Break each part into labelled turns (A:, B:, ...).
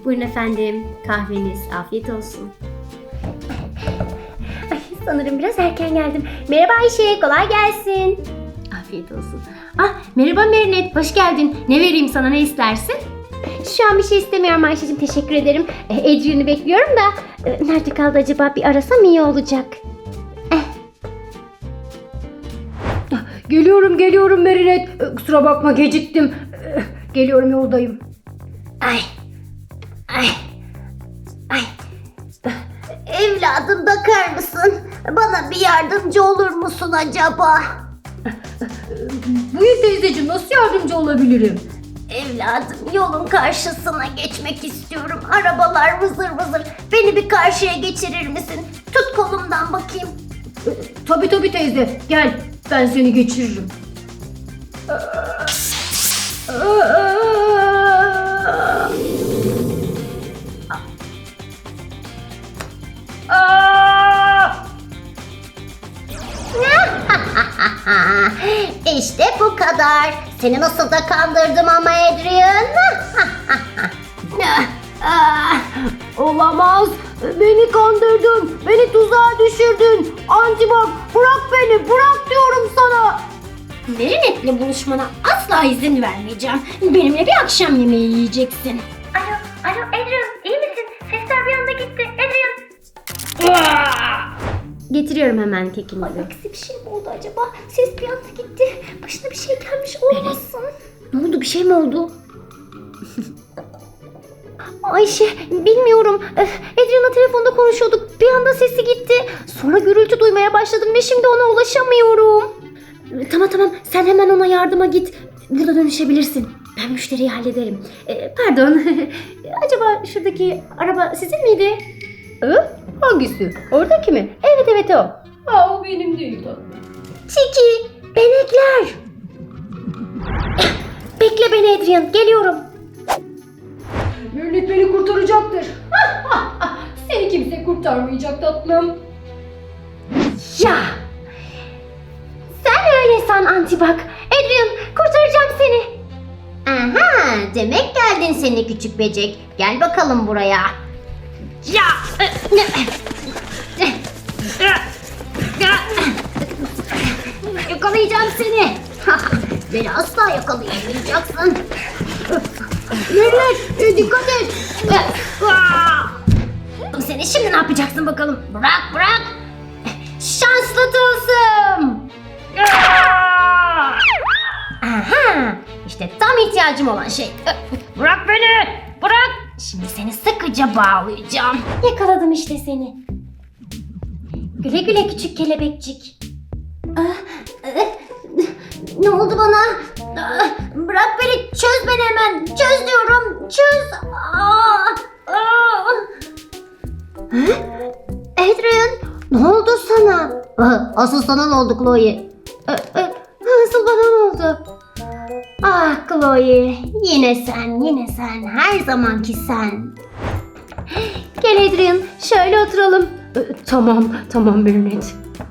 A: Buyurun efendim. Kahveniz. Afiyet olsun. Ay, sanırım biraz erken geldim. Merhaba Ayşe, kolay gelsin. Afiyet olsun. Ah, merhaba Merinet, hoş geldin. Ne vereyim sana, ne istersin? Şu an bir şey istemiyorum Ayşe'cim, teşekkür ederim. Adrian'ı bekliyorum da nerede kaldı acaba, bir arasam iyi olacak.
B: Geliyorum Merinet. Kusura bakma, geciktim. Geliyorum, yoldayım.
A: Ay. Evladım, bakar mısın? Bana bir yardımcı olur musun acaba?
B: Buyur teyzeciğim, nasıl yardımcı olabilirim?
A: Evladım, yolun karşısına geçmek istiyorum. Arabalar vızır vızır. Beni bir karşıya geçirir misin? Tut kolumdan bakayım.
B: Tabii teyze, gel ben seni geçiririm.
A: İşte bu kadar. Seni nasıl da kandırdım ama Adrian.
B: Olamaz, beni kandırdın, beni tuzağa düşürdün. Antibak, bırak beni, bırak diyorum sana.
A: Marinette'le buluşmana asla izin vermeyeceğim. Benimle bir akşam yemeği yiyeceksin. Alo Adrian, iyi misin? Sesler bir anda gitti. Adrian. Getiriyorum hemen kekimizi. Aksi bir şey mi oldu acaba? Ses bir anda gitti. Başına bir şey gelmiş olmasın. Ne oldu, bir şey mi oldu? Ayşe, bilmiyorum. Adrian'la telefonda konuşuyorduk. Bir anda sesi gitti. Sonra gürültü duymaya başladım ve şimdi ona ulaşamıyorum. Tamam. Sen hemen ona yardıma git. Burada dönüşebilirsin. Ben müşteriyi hallederim. Pardon. Acaba şuradaki araba sizin miydi?
B: Hangisi? Oradaki mi?
A: Evet o.
B: O benim değil tatlım.
A: Tiki, benekler. Bekle beni Adrian, geliyorum.
B: Merinet beni kurtaracaktır. Seni kimse kurtarmayacak tatlım.
A: Ya! Sen öyle san Antibak. Adrian, kurtaracağım seni. Aha, demek geldin seni küçük böcek. Gel bakalım buraya. Ya! Yakalayacağım seni. Beni asla yakalayamayacaksın.
B: Merinet, dikkat et.
A: Seni şimdi ne yapacaksın bakalım? Bırak. Şanslı tılsım. Aha, işte tam ihtiyacım olan şey. Bırak beni. Bırak. Şimdi seni sıkıca bağlayacağım. Yakaladım işte seni. Güle güle küçük kelebekçik. Ne oldu bana? Bırak beni, çöz beni hemen. Çöz diyorum, çöz. Adrian, ne oldu sana? Asıl sana ne oldu Chloe? Asıl bana ne oldu? Ah Chloe, yine sen, her zamanki sen. Gel Adrian, şöyle oturalım.
B: Tamam Merinet.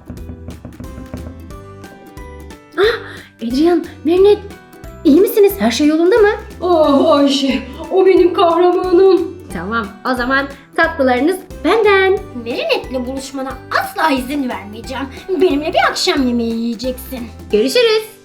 A: Adrian, Merinet, iyi misiniz? Her şey yolunda mı?
B: Ah Ayşe, o benim kahramanım.
A: Tamam, o zaman tatlılarınız benden. Marinette'le buluşmana asla izin vermeyeceğim. Benimle bir akşam yemeği yiyeceksin. Görüşürüz.